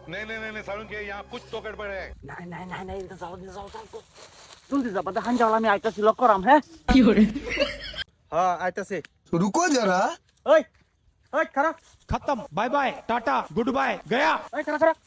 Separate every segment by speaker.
Speaker 1: नहीं नहीं नहीं साळुंके यहाँ कुछ तो गड़बड़ है।
Speaker 2: नहीं जाओ জলদি যা বাদে হাঞ্জাওয়ালা আমি আইতাছি লক করাম হ্যাঁ
Speaker 3: হ্যাঁ আইতাছে
Speaker 4: रुको जरा
Speaker 3: ওই ওই খারাপ
Speaker 5: खत्म bye bye tata good bye गया
Speaker 3: ওই খারাপ খারাপ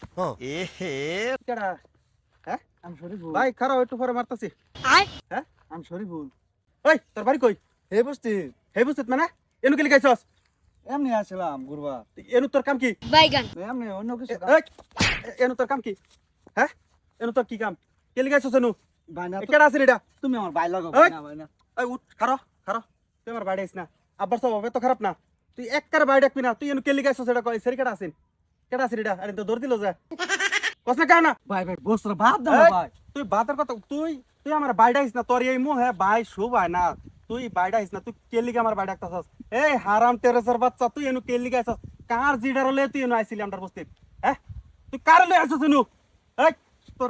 Speaker 3: কেডা হ্যাঁ
Speaker 2: আমি শরীফুল
Speaker 3: ভাই খারাপ একটু পরে মারতাছি হ্যাঁ
Speaker 2: আমি শরীফুল
Speaker 3: ওই তোর বাড়ি কই
Speaker 2: হে বুঝতি
Speaker 3: হে বুঝছিস মানে এনু কে লিখাইছস
Speaker 2: এমনি আসলাম গুরবা
Speaker 3: এনু তোর কাম কি
Speaker 6: বাইগান
Speaker 2: এমনি অন্য কিছু
Speaker 3: এই, এনু তোর কাম কি হ্যাঁ এনু তোর কি কাম কে লিখাইছস এনু
Speaker 2: বাইনা তো-
Speaker 3: কেডা আছে এটা
Speaker 2: তুমি আমার ভাই লাগো
Speaker 3: এই!
Speaker 2: বাইনা
Speaker 3: এই উঠ খারো খারো তুই আমার বাড়ি আইস না আব্বার সব হবে তো খারাপ না তুই একবার বাড়ি ডাকবি না তুই এনু কে লিখাইছস এটা কই সেরি কেডা আছেন কেডা আছে এটা আরে তো দৌড় দিল যা কস না কানা
Speaker 2: ভাই বসরা ভাত দাও
Speaker 3: এই,
Speaker 2: ভাই
Speaker 3: তুই বাতের কথা তুই তুই আমার বাইডা আইস না তোর এই মুহ হ্যাঁ ভাই শুভ হয় না তুই বাইডা আইস না তুই কেলিকে আমার বাইডা আইতাছস এই হারাম টেরেসের বাচ্চা তুই এনু কেলিকে আইছস কার জিডার লয়ে তুই এনু আইছিলি আমটার বস্তি হ্যাঁ তুই কার লয়ে আইছস এনু এই তোর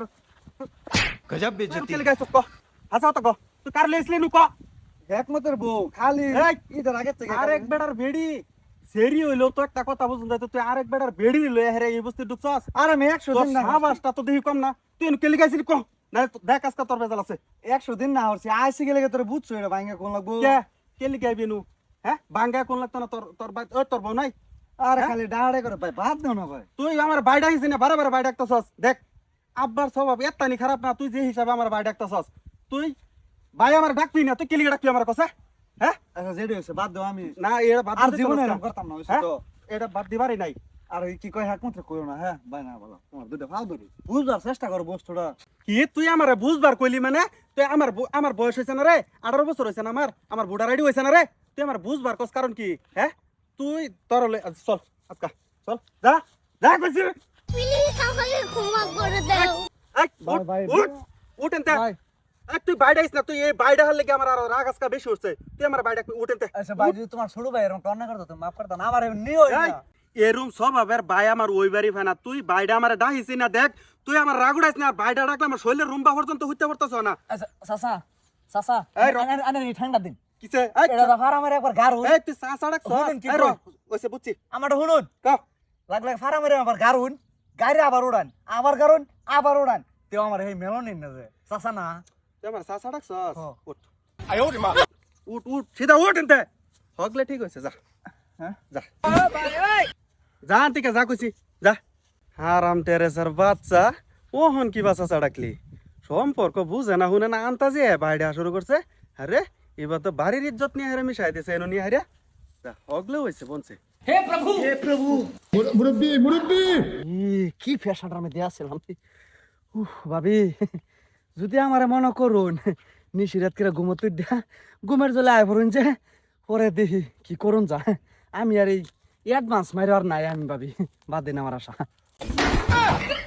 Speaker 5: गजब
Speaker 3: কেলিকে আইছস ক হাসা তো ক তুই কার লয়ে আইছিলি এনু ক
Speaker 2: একমাত্র বউ খালি
Speaker 3: এই,
Speaker 2: ঈদের আগে থেকে
Speaker 3: আরেক বেটার বেড়ি সেরি হইলো তো একটা কথা বুঝুন যাইতো তুই আরেক বেটার বেড়ি লয়ে হেরে এই বস্তি ঢুকছস
Speaker 2: আর আমি 100
Speaker 3: তোর
Speaker 2: দিন না
Speaker 3: সাবাসটা তো দেখি কম না তুই এনু কেলিকে আইছিলি ক না দেখ আজকে তোর বেজাল আছে
Speaker 2: 100 দিন না হরছি আইসি গেলে তোর বুঝছো এটা ভাঙা কোন লাগবো
Speaker 3: কে কে লিখে আইবি নু হ্যাঁ বাঙ্গা কোন লাগতো না তোর তোর ভাই ওই তোর বউ নাই
Speaker 2: আরে
Speaker 3: হ্যাঁ?
Speaker 2: খালি ডাড়ে করে ভাই ভাত দাও না ভাই
Speaker 3: তুই আমার বাই ডাকিস না বারে বারে বাই ডাকতেছস দেখ আব্বার স্বভাব এত্তানি খারাপ না তুই যে হিসাবে আমার বাই ডাকতেছস তুই ভাই আমার ডাকবি না তুই কে লিখে ডাকবি আমার কাছে হ্যাঁ
Speaker 2: আচ্ছা যেটা হইছে বাদ দাও আমি
Speaker 3: না এটা বাদ
Speaker 2: আর
Speaker 3: দিতে
Speaker 2: জীবনে
Speaker 3: পারস
Speaker 2: এরকম
Speaker 3: না।
Speaker 2: করতাম না হইছে
Speaker 3: হ্যাঁ?
Speaker 2: তো
Speaker 3: এটা বাদ দিবারই নাই
Speaker 2: আর ওই কি কয় একমাত্র কইও না হ্যাঁ ভাই না বলো তোমার দুটো ফাল ধরি বুঝবার চেষ্টা করো বস্তুটা
Speaker 3: কি তুই আমার বুঝবার কইলি মানে তুই আমার বয়স হয়েছে না রে 18 বছর হয়েছে না আমার বুড়া রেডি হয়েছে না রে তুই আমার বুঝবার কস কারণ কি হ্যাঁ তুই তোর চল আজকা চল যা যা কইছি
Speaker 6: প্লিজ আমাকে ক্ষমা করে দাও
Speaker 3: এই,
Speaker 2: ভাই,
Speaker 3: উঠ,
Speaker 2: ভাই,
Speaker 3: উঠ, উঠ এনতে।
Speaker 2: ভাই
Speaker 3: এই, তুই বাইরে আইস না তুই এই বাইরে হলে আমার আর রাগ আজকা বেশি উঠছে তুই আমার বাইরে উঠেনতে
Speaker 2: আচ্ছা ভাই যদি তোমার ছোট ভাই এরকম টর্না করতো তুমি মাফ করতা না আমার নিও না
Speaker 3: এরুম সব আবার ভাই আমার ওই বাড়ি ভাই না তুই বাইরে আমার ডাহিছি না দেখ তুই আমার রাগ উড়াইস না বাইরে ডাকলে আমার শরীরের রুম্বা পর্যন্ত হইতে পারতেছ না
Speaker 2: আচ্ছা সাসা সাসা
Speaker 3: এই, র-
Speaker 2: আনে ঠান্ডা দিন
Speaker 3: কিসে এই,
Speaker 2: এটা তো ফারামের একবার গার হই
Speaker 3: এই তুই চা সাড়াক
Speaker 2: শুনেন কি
Speaker 3: র
Speaker 2: কই?
Speaker 3: ওইসে বুঝছি
Speaker 2: আমারটা শুনুন
Speaker 3: কও
Speaker 2: লাগলে ফারামের আবার গার হইন গাড়ি আবার উড়ান আবার গারুন আবার উড়ান তেও আমার এই মেলন না যে সাসা না
Speaker 3: তুই আমার চা সাড়াক
Speaker 2: হ্যাঁ।
Speaker 3: উঠ উঠ উঠ সিধা উঠ এনতে হগলে ঠিক হয়েছে যা
Speaker 2: হ্যাঁ
Speaker 3: যা যা ঠিক আছে যা কইছি যা হারাম টেরেসার বাচ্চা ওহন কি বাচ্চা চাড়াকলি সম্পর্ক বুঝে না শুনে না আনতাজে বাইরে শুরু করছে আরে এবার তো বাড়ির ইজ্জত নিয়ে হারে মিশাই দিছে এনো নিয়ে হারে যা হগলে হয়েছে বলছে
Speaker 4: मुरब्बी मुरब्बी
Speaker 2: কি ফ্যাশনটার মধ্যে আসছিলাম ভাবি যদি আমারে মনে করুন নিশিরাত করে ঘুমোতে দিয়া ঘুমের জলে আয় পড়ুন যে পরে দেখি কি করুন যা আমি আর এই অ্যাডভান্স মারি আর নাই আমি ভাবি বাদ দিন আমার আশা